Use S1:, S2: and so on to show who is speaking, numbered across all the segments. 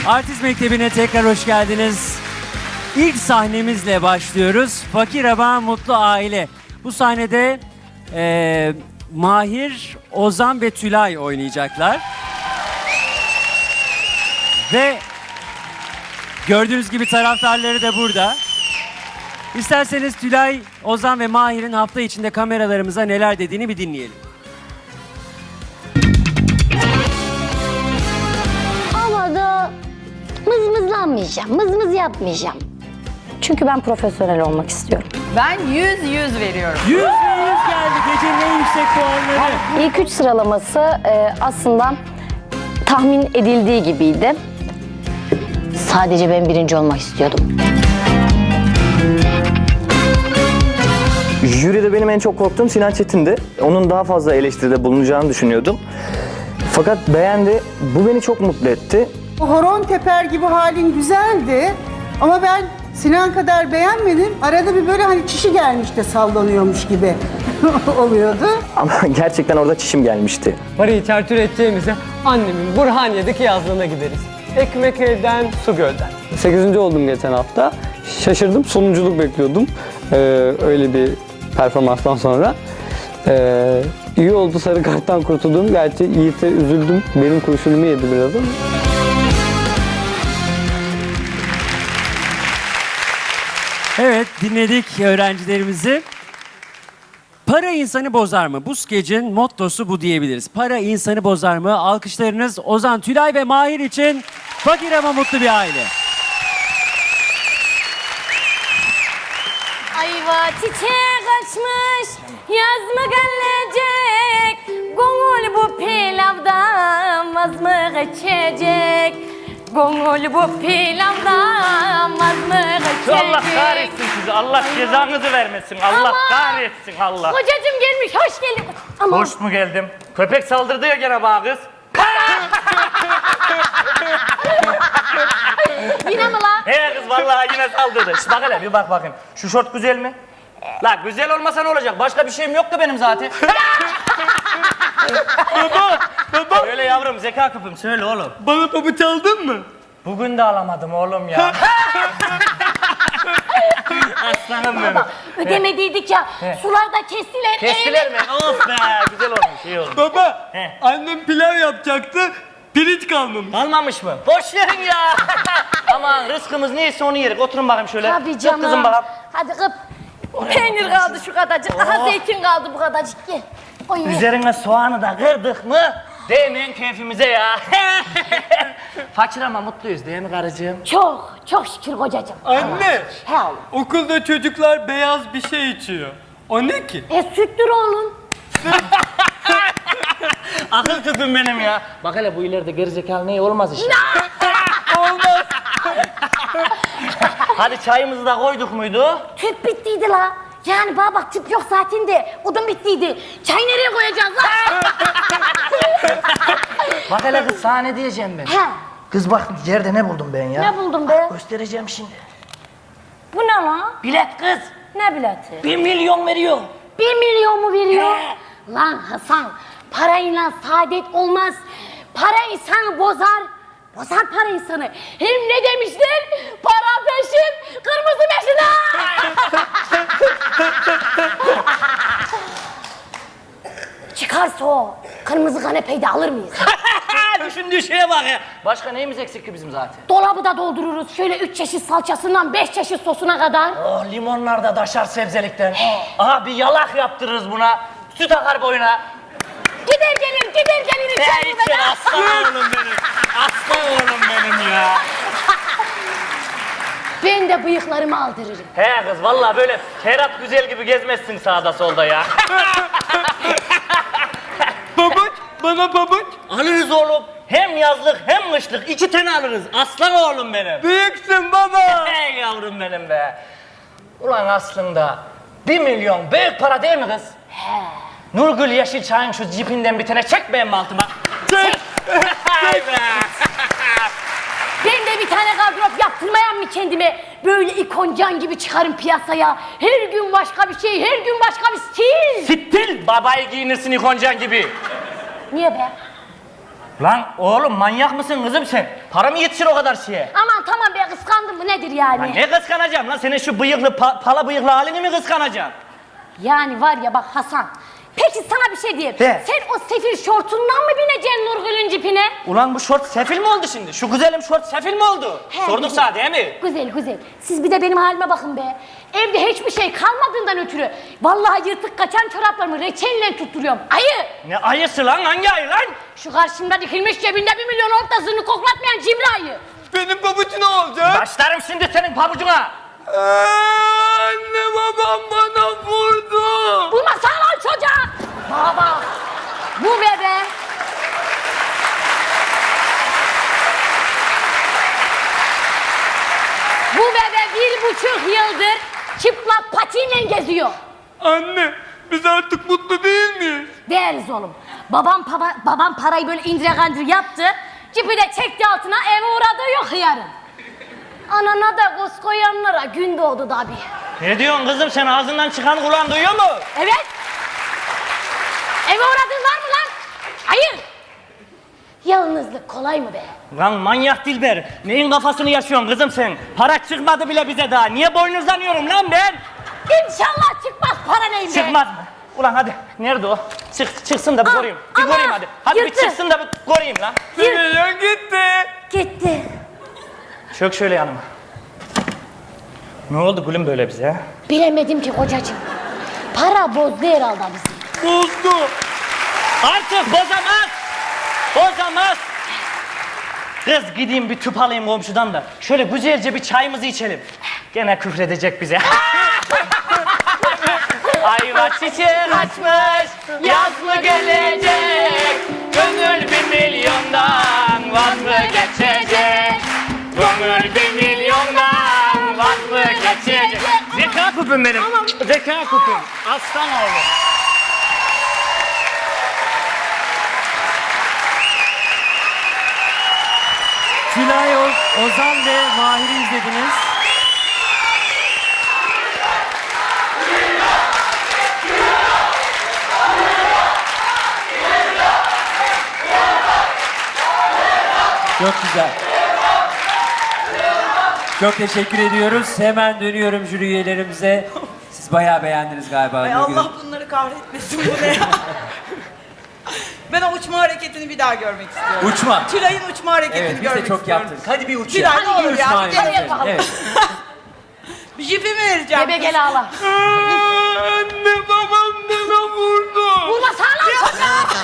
S1: Artist Mektebi'ne tekrar hoş geldiniz. İlk sahnemizle başlıyoruz. Fakir ama mutlu aile. Bu sahnede Mahir, Ozan ve Tülay oynayacaklar. Ve gördüğünüz gibi taraftarları da burada. İsterseniz Tülay, Ozan ve Mahir'in hafta içinde kameralarımıza neler dediğini bir dinleyelim.
S2: Havada mızmızlanmayacağım, mızmız yapmayacağım. Çünkü ben profesyonel olmak istiyorum.
S3: Ben 100 veriyorum.
S1: 100 ve 100 geldi. Gecenin en yüksek puanları.
S2: İlk 3 sıralaması aslında tahmin edildiği gibiydi. Sadece ben birinci olmak istiyordum.
S4: Jüride benim en çok korktuğum Sinan Çetin'di. Onun daha fazla eleştiride bulunacağını düşünüyordum. Fakat beğendi. Bu beni çok mutlu etti.
S5: Horon teper gibi halin güzeldi ama ben Sinan kadar beğenmedim. Arada bir böyle hani çişi gelmiş de sallanıyormuş gibi oluyordu.
S4: Ama gerçekten orada çişim gelmişti.
S6: Parayı çarçur edeceğimize annemin Burhaniye'deki yazlığına gideriz. Ekmek elden, su gölden. 8. oldum geçen hafta. Şaşırdım, sonunculuk bekliyordum. Öyle bir performanstan sonra. İyi oldu sarı karttan kurtuldum. Gerçi Yiğit'e üzüldüm. Benim kurşunumu yedi biraz ama.
S1: Evet, dinledik öğrencilerimizi. Para insanı bozar mı? Bu skecin mottosu bu diyebiliriz. Para insanı bozar mı? Alkışlarınız Ozan, Tülay ve Mahir için fakir ama mutlu bir aile.
S7: Ayva çiçek açmış, yaz mı gelecek? Gönül bu pilavdan vaz mı geçecek? Gönül bu pilavdan vaz mı geçecek?
S8: Allah kahretsin sizi, Allah cezanızı vermesin, Allah kahretsin Allah.
S7: Kocacığım gelmiş, hoş geldin. Aman.
S8: Hoş mu geldim? Köpek saldırdı ya gene bana kız.
S7: Yine mi lan?
S8: He kız vallahi yine saldırdı. Şş, bak hele bir bak bakayım. Şu şort güzel mi? La güzel olmasa ne olacak? Başka bir şeyim yoktu benim zaten. Baba. Söyle yavrum zeka küpüm söyle oğlum.
S6: Bana pabuç aldın mı?
S8: Bugün de alamadım oğlum ya. Aslanım benim.
S7: Ödemediydik ya, sularda kestiler.
S8: Kestiler mi? Of be güzel olmuş iyi olmuş.
S6: Baba,
S8: He.
S6: annem pilav yapacaktı. Pirinç kalmamış.
S8: Almamış mı? Boş verin ya. Aman rızkımız neyse onu yerik. Oturun bakayım şöyle.
S7: Tabii
S8: Kıp
S7: canım.
S8: kızım bakalım.
S7: Hadi kıp. Peynir kaldı şu kadarcık. Aha zeytin kaldı bu kadarcık. Gel. Oy.
S8: Üzerine soğanı da kırdık mı? Değmeyin keyfimize ya. Fakir ama mutluyuz değil mi karıcığım?
S7: Çok, çok şükür kocacığım.
S6: Anne,
S7: He oğlum.
S6: okulda çocuklar beyaz bir şey içiyor. O ne ki?
S7: Süttür oğlum.
S8: Akıl küpüm benim ya. Bak hele bu ileride gerizekalı ne olmaz işte.
S6: Olmaz.
S8: Hadi çayımızı da koyduk muydu?
S7: Tüp bittiydi la. Yani bana bak tüp yok zaten de odun bittiydi. Çay nereye koyacağız la?
S8: Bak hele kız sana ne diyeceğim ben.
S7: He.
S8: Kız bak yerde ne buldum ben ya?
S7: Ne buldun be?
S8: Göstereceğim şimdi.
S7: Bu ne la?
S8: Bilet kız.
S7: Ne bileti?
S8: 1 milyon veriyor.
S7: 1 milyon mu veriyor?
S8: He.
S7: Lan Hasan, parayla saadet olmaz. Para insanı bozar. Bozar para insanı. Hem ne demişler? Para peşin, kırmızı peşin ha! Çıkarsa o kırmızı kanepeyi de alır mıyız?
S8: Düşündüğü şeye bak ya. Başka neyimiz eksik ki bizim zaten?
S7: Dolabı da doldururuz. Şöyle 3 çeşit salçasından 5 çeşit sosuna kadar.
S8: Oh limonlar da daşar sebzelikten. Aha bir yalak yaptırırız buna. Süt akar boyuna.
S7: Gider gelir içeri
S8: içer aslan oğlum benim. Aslan oğlum benim ya.
S7: Ben de bıyıklarımı aldırırım.
S8: He kız vallahi böyle Ferhat Güzel gibi gezmezsin sağda solda ya.
S6: Pabuç, bana pabuç.
S8: Alırız oğlum. Hem yazlık hem kışlık 2 tane alırız. Aslan oğlum benim.
S6: Büyüksün baba.
S8: Hey yavrum benim be. Ulan aslında 1 milyon büyük para değil mi kız?
S7: He.
S8: Nurgül Yeşilçay'ın şu cipinden bir tane çek benim altıma.
S6: Çek.
S8: Hay be.
S7: Ben de bir tane gardırop yaptırmayan mı kendime? Böyle ikoncan gibi çıkarım piyasaya. Her gün başka bir şey, her gün başka bir stil.
S8: Stil babayı giyinirsin ikoncan gibi.
S7: Niye be?
S8: Lan oğlum manyak mısın kızım sen? Para mı yetişir o kadar şeye?
S7: Aman tamam be, kıskandım mı nedir
S8: Lan
S7: yani?
S8: ne kıskanacağım lan? Senin şu bıyıklı, pala bıyıklı halini mi kıskanacağım?
S7: Yani var ya bak Hasan. Peki sana bir şey diyeyim.
S8: De.
S7: Sen o sefil şortundan mı bineceksin Nurgül'ün cipine?
S8: Ulan bu şort sefil mi oldu şimdi? Şu güzelim şort sefil mi oldu?
S7: He,
S8: Sorduk
S7: güzel.
S8: sana değil mi?
S7: Güzel güzel. Siz bir de benim halime bakın be. Evde hiçbir şey kalmadığından ötürü vallahi yırtık kaçan çoraplarımı reçelle tutturuyorum. Ayı!
S8: Ne ayısı lan? Hangi ayı lan?
S7: Şu karşımda dikilmiş cebinde 1 milyon ortasını koklatmayan cimri ayı.
S6: Benim pabucu ne olacak?
S8: Başlarım şimdi senin pabucuna.
S6: Anne babam bana vurdu.
S7: Bulmasana lan çocuğa! Baba! Bu bebe! Bu bebe 1,5 yıldır çıplak patiyle geziyor.
S6: Anne biz artık mutlu değil miyiz?
S7: Değeriz oğlum. Babam parayı böyle indire kandır yaptı. Cipi de çekti altına, eve uğradığı yok yarın. Anana da koz koyanlara gün doğdu tabii.
S8: Ne diyorsun kızım sen ağzından çıkan kulağın duyuyor mu?
S7: Evet. Eve uğradığın var mı lan? Hayır. Yalnızlık kolay mı be?
S8: Lan manyak Dilber. Neyin kafasını yaşıyorsun kızım sen? Para çıkmadı bile bize daha. Niye boynuzlanıyorum lan ben?
S7: İnşallah çıkmaz para neyim be?
S8: Çıkmaz mı? Ulan hadi. Nerede o? Çıksın da bir göreyim. Bir
S7: ama
S8: göreyim hadi. Hadi bir
S7: yırttı.
S8: çıksın da bir göreyim lan.
S6: Milyon gitti.
S7: Gitti.
S8: Çök şöyle yanıma. Ne oldu gülüm böyle bize ha?
S7: Bilemedim ki kocacığım. Para bozdu herhalde bizi.
S6: Bozdu.
S8: Artık bozamaz. Bozamaz. Kız gideyim bir tüp alayım komşudan da. Şöyle güzelce bir çayımızı içelim. Gene küfredecek bize. Ayva çiçeği açmış, yaz mı gelecek? Gönül 1.000.000'dan vaz mı geçecek? Gönül 1.000.000'dan vaz mı geçecek? Zeka küpüm benim, zeka küpüm. Aslan oğlum.
S1: Tülay, Ozan ve Mahir'i izlediniz. Çok güzel. Çok teşekkür ediyoruz. Hemen dönüyorum jüri üyelerimize. Siz bayağı beğendiniz galiba.
S3: Ay
S1: Nurgül.
S3: Allah bunları kahretmesin bu ne ya? Ben o uçma hareketini bir daha görmek istiyorum.
S1: Uçma.
S3: Tülay'ın uçma hareketini
S1: Evet, biz
S3: görmek
S1: de çok
S3: istiyorum.
S1: yaptık. Hadi bir uç
S3: Tülay,
S1: ya.
S3: ne olur
S1: Bir
S3: ya,
S1: uçma
S3: bir
S1: yapacağız.
S7: yapalım.
S1: Evet.
S3: Bir jipi mi vereceğim?
S7: Bebe gel ağla.
S6: Anne babam bana vurdu.
S7: Vurmasana lan çocuğa!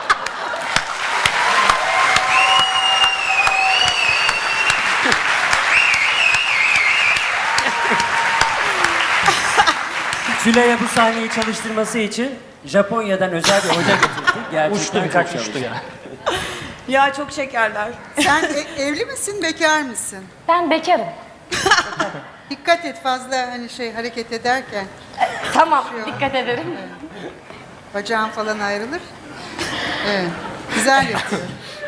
S1: Tülay'a bu sahneyi çalıştırması için Japonya'dan özel bir hoca getirdik. Gerçekten
S8: Uçtu birkaç
S1: çok
S8: uçtu
S1: çalıştı.
S8: ya.
S3: Ya çok şekerler.
S5: Sen evli misin, bekar mısın?
S7: Ben bekarım.
S5: Dikkat et fazla hani hareket ederken
S7: Tamam, dikkat ederim.
S5: bacağın falan ayrılır. Evet. Güzel yapıyor.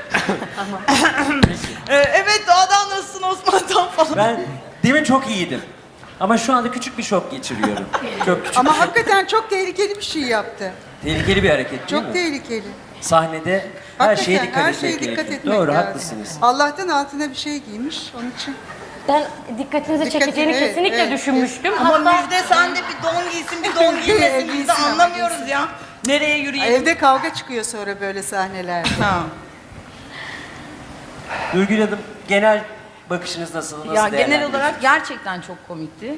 S3: Evet, doğadan nasılsın Osman'dan falan.
S1: Ben demin çok iyiydim. Ama şu anda küçük bir şok geçiriyorum. Çok küçük.
S5: Ama hakikaten çok tehlikeli bir şey yaptı.
S1: Tehlikeli bir hareket değil
S5: Çok
S1: mi?
S5: tehlikeli.
S1: Sahnede her şeye
S5: Hakikaten
S1: dikkat
S5: her şeye
S1: etmek
S5: dikkat
S1: gerekiyor.
S5: etmek
S1: Doğru,
S5: lazım.
S1: haklısınız.
S5: Allah'tan altına bir şey giymiş onun için.
S7: Ben dikkatinizi
S5: Dikkat-
S7: çekeceğini
S5: evet,
S7: kesinlikle
S5: evet.
S7: düşünmüştüm.
S3: Ama
S7: Hatta
S3: Müjde sen de bir don giysin, bir don giymesin. Biz
S5: Giysin
S3: de
S5: ama
S3: anlamıyoruz ya. Nereye yürüyelim?
S5: Evde kavga çıkıyor sonra böyle sahnelerde.
S3: Ha.
S1: Nurgül Hanım, genel bakışınız nasıl? Nasıl
S3: Ya genel
S1: değerlendiriyorsunuz?
S3: olarak gerçekten çok komikti.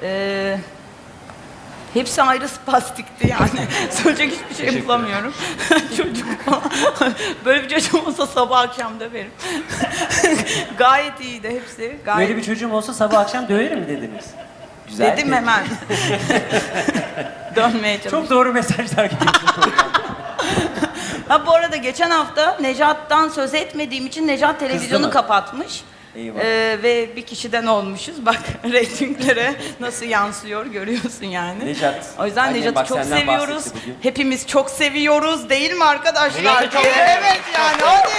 S3: Hepsi ayrı spastikti yani. Söyleyecek hiçbir şey bulamıyorum. Çocuk falan. Böyle bir çocuğum olsa sabah akşam döverim. Gayet iyiydi hepsi. Gayet...
S1: Böyle bir çocuğum olsa sabah akşam döverim mi dediniz? Güzel.
S3: Dedim hemen. Dönmeye çalıştım.
S1: Çok doğru mesajlar geliyor.
S3: Ha bu arada geçen hafta Nejat'tan söz etmediğim için Nejat televizyonu
S1: mı?
S3: kapatmış.
S1: Eyvah.
S3: Ve bir kişiden olmuşuz. Bak reytinglere nasıl yansıyor görüyorsun yani.
S1: Nejat.
S3: O yüzden
S1: Annem
S3: Nejat'ı
S1: bak
S3: çok
S1: senden
S3: seviyoruz.
S1: bahsetti bugün.
S3: Hepimiz çok seviyoruz değil mi arkadaşlar?
S8: Nejat'ı çok
S3: Evet yani hadi.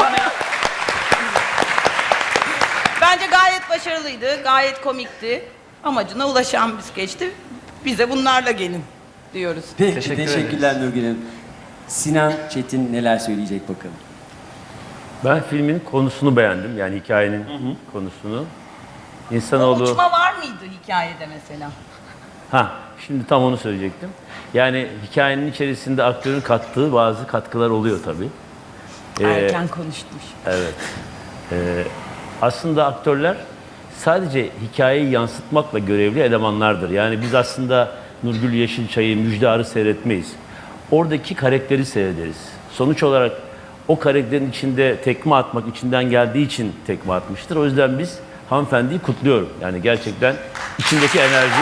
S3: Bence gayet başarılıydı. Gayet komikti. Amacına ulaşan bir skeçti. Bize bunlarla gelin diyoruz.
S1: Peki,
S8: Teşekkür
S1: teşekkürler Nurgül Hanım. Sinan Çetin neler söyleyecek bakalım.
S9: Ben filmin konusunu beğendim. Yani hikayenin konusunu. İnsanoğlu...
S3: Uçma var mıydı hikayede mesela?
S9: Ha, şimdi tam onu söyleyecektim. Yani hikayenin içerisinde aktörün kattığı bazı katkılar oluyor tabii.
S3: Erken konuşmuş.
S9: Evet. Aslında aktörler sadece hikayeyi yansıtmakla görevli elemanlardır. Yani biz aslında Nurgül Yeşilçay'ı, Müjdar'ı seyretmeyiz. Oradaki karakteri seyrederiz. Sonuç olarak o karakterin içinde tekme atmak içinden geldiği için tekme atmıştır. O yüzden biz hanımefendiyi kutluyorum. Yani gerçekten içindeki enerji...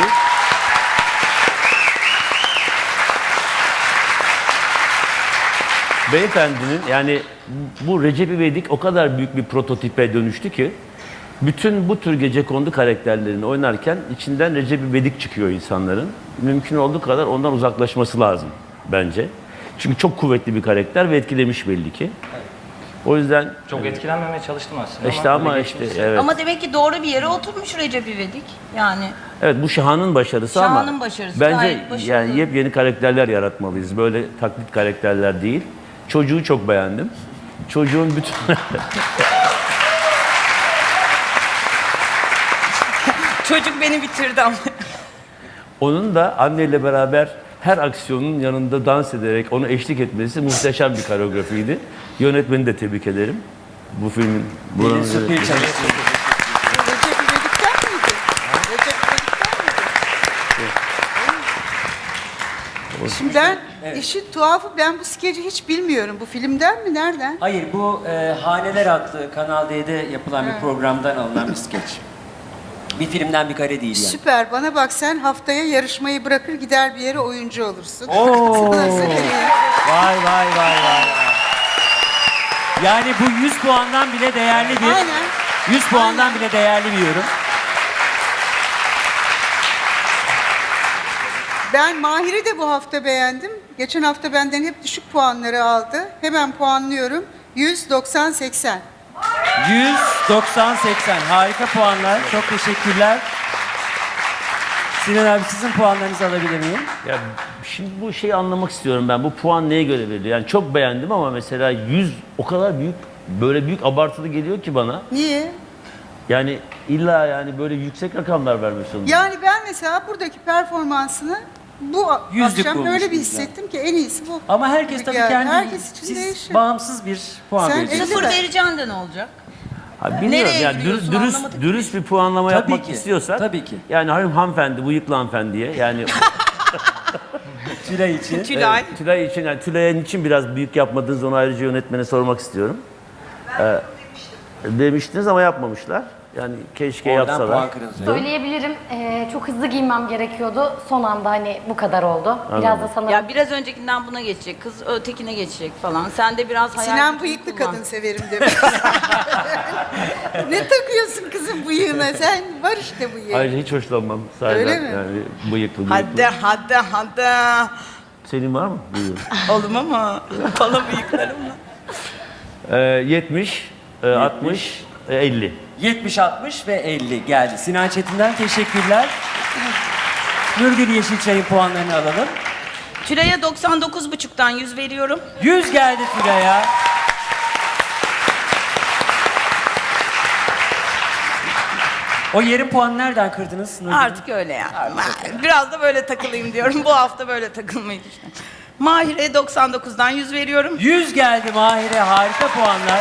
S9: Beyefendinin yani bu Recep İvedik o kadar büyük bir prototipe dönüştü ki bütün bu tür gecekondu karakterlerini oynarken içinden Recep İvedik çıkıyor insanların. Mümkün olduğu kadar ondan uzaklaşması lazım bence. Çünkü çok kuvvetli bir karakter ve etkilemiş belli ki. O yüzden
S8: Çok etkilenmemeye çalıştım aslında.
S9: işte ama işte evet.
S3: Ama demek ki doğru bir yere oturmuş Recep İvedik. Yani
S9: Evet bu Şahan'ın başarısı ama
S3: Şahan'ın başarısı,
S9: bence
S3: gayet başarılı.
S9: yani yepyeni karakterler yaratmalıyız. Böyle taklit karakterler değil. Çocuğu çok beğendim. Çocuğun bütün
S3: çocuk beni bitirdi ama.
S9: onun da anneyle beraber her aksiyonun yanında dans ederek onu eşlik etmesi muhteşem bir koreografiydi. Yönetmeni de tebrik ederim. Bu filmin buranın
S1: Pelin Su Pilçay.
S5: Recep İvedik'ten miydi? Recep İvedik'ten miydi? Şimdi ben, işin tuhafı ben bu skeci hiç bilmiyorum. Bu filmden mi? Nereden?
S1: Hayır, bu Haneler adlı Kanal D'de yapılan bir programdan alınan bir skeç. Bir filmden bir kare değil yani.
S5: Süper. Bana bak sen haftaya yarışmayı bırakır gider bir yere oyuncu olursun.
S1: Oo.
S5: Sana söyleyeyim.
S1: Vay vay vay vay. Yani bu 100 puandan bile değerli bir...
S5: Aynen.
S1: 100 puandan bile değerli bir yorum.
S5: Ben Mahir'i de bu hafta beğendim. Geçen hafta benden hep düşük puanları aldı. Hemen puanlıyorum. 190-80.
S1: 190-80. Harika puanlar. Çok teşekkürler. Sinan abi sizin puanlarınızı alabilir miyim?
S9: Ya şimdi bu şeyi anlamak istiyorum ben. Bu puan neye göre veriliyor? Yani çok beğendim ama mesela 100 o kadar büyük, böyle büyük abartılı geliyor ki bana.
S5: Niye?
S9: Yani illa yani böyle yüksek rakamlar vermek zorunda.
S5: Yani ben mesela buradaki performansını bu
S1: Yüzlük
S5: akşam öyle bir
S1: bulmuşsunuz
S5: hissettim ki en iyisi bu.
S1: Ama herkes tabii
S5: Yani
S1: kendi...
S5: herkes için
S1: siz
S5: değişir.
S1: bağımsız bir puan
S5: Sen
S1: vereceksiniz.
S3: Sıfır
S5: mi?
S3: vereceğin de ne olacak?
S9: Ha, bilmiyorum
S3: Nereye
S9: yani
S3: giriyorsun anlamadık.
S9: dürüst bir puanlama
S1: Tabii
S9: yapmak
S1: ki,
S9: istiyorsak.
S1: tabii ki.
S9: Yani hanımefendi, bıyıklı hanımefendiye yani
S1: Tülay için.
S3: Tülay.
S9: Tülay için, yani Tülay'ın için biraz büyük yapmadığınız onu ayrıca yönetmene sormak istiyorum. Demiştiniz ama yapmamışlar. Yani keşke
S1: Oradan
S9: yapsalar.
S1: puan kırılacak.
S7: Söyleyebilirim. Çok hızlı giymem gerekiyordu. Son anda hani bu kadar oldu. Biraz da sanırım
S3: Ya biraz öncekinden buna geçecek, kız ötekine geçecek falan. Sen de biraz hayal
S5: Sinan
S3: gücünü
S5: bıyıklı
S3: kullan.
S5: kadın severim demiş. Ne takıyorsun kızım bıyığına? Sen var işte bıyığı.
S9: Ayrıca hiç hoşlanmam. Sahiden.
S5: Öyle mi?
S9: Yani bıyıklı.
S3: Hadi.
S9: Senin var mı? Buyurun.
S3: Oğlum ama bana bıyıklarımla.
S9: 70, 60, 50.
S1: 70, 60 ve 50 geldi. Sinan Çetin'den teşekkürler. Nurgül Yeşilçay'ın puanlarını alalım.
S3: Tülay'a 99,5'tan 100 veriyorum.
S1: 100 geldi Tülay'a. O yarım puanı nereden kırdınız Nurgül?
S3: Artık öyle yani. Biraz da böyle takılayım diyorum. Bu hafta böyle takılmayı düşünüyorum. Mahir'e 99'dan 100 veriyorum.
S1: 100 geldi Mahir'e. Harika puanlar.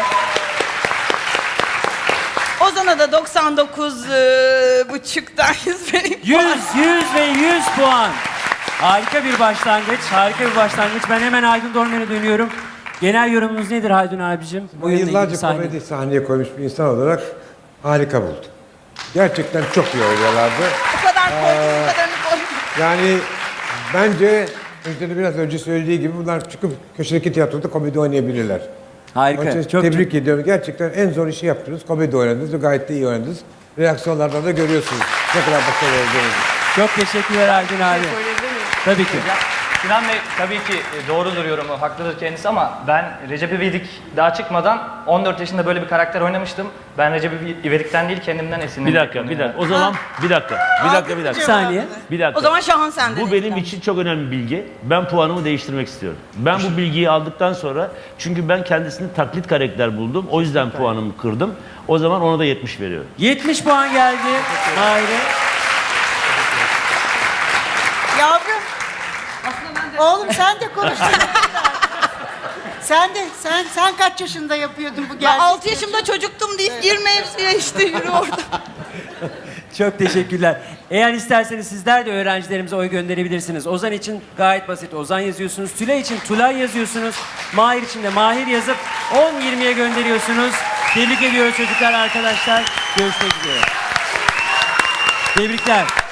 S3: Ozan'a da 99,5'tan 100 vereyim.
S1: 100 ve 100 puan. Harika bir başlangıç. Harika bir başlangıç. Ben hemen Haldun Dormen'e dönüyorum. Genel yorumunuz nedir Haldun abicim?
S10: Bu yıllarca komedi sahneye koymuş bir insan olarak harika buldum. Gerçekten çok iyi oynuyorlardı.
S3: Bu kadar koydum, bu kadarını koydum.
S10: Yani bence Müjde'nin biraz önce söylediği gibi bunlar çıkıp köşedeki tiyatroda komedi oynayabilirler.
S1: Harika.
S10: Onun için
S1: Çok
S10: tebrik ediyorum. Gerçekten en zor işi yaptınız. Komedi oynadınız ve gayet de iyi oynadınız. Reaksiyonlardan da görüyorsunuz ne kadar başarılı olduğunuzu.
S1: çok teşekkürler Haldun abi. Tabii ki.
S11: Sinan Bey tabii ki doğrudur yorumu, haklıdır kendisi ama ben Recep İvedik daha çıkmadan 14 yaşında böyle bir karakter oynamıştım. Ben Recep İvedik'ten değil kendimden esinlendim.
S9: Bir dakika. O zaman bir dakika.
S1: Bir saniye.
S9: Bir dakika.
S3: O zaman Şahan sende.
S9: Bu benim için çok önemli bir bilgi. Ben puanımı değiştirmek istiyorum. Ben bu bilgiyi aldıktan sonra, çünkü ben kendisini taklit karakter buldum. O yüzden puanımı kırdım. O zaman ona da 70 veriyorum.
S1: 70 puan geldi Mahir'e.
S5: Yavrum. Oğlum sen de konuştun. Sen kaç yaşında yapıyordun bu
S3: Ben
S5: gerçek?
S3: 6 yaşımda çocuktum deyip gir mevzuya işte yürü orada.
S1: Çok teşekkürler. Eğer isterseniz sizler de öğrencilerimize oy gönderebilirsiniz. Ozan için gayet basit. Ozan yazıyorsunuz. Tülay için Tülay yazıyorsunuz. Mahir için de Mahir yazıp 10-20'ye gönderiyorsunuz. Tebrik ediyoruz çocuklar, arkadaşlar. Görüşmek üzere. Tebrikler.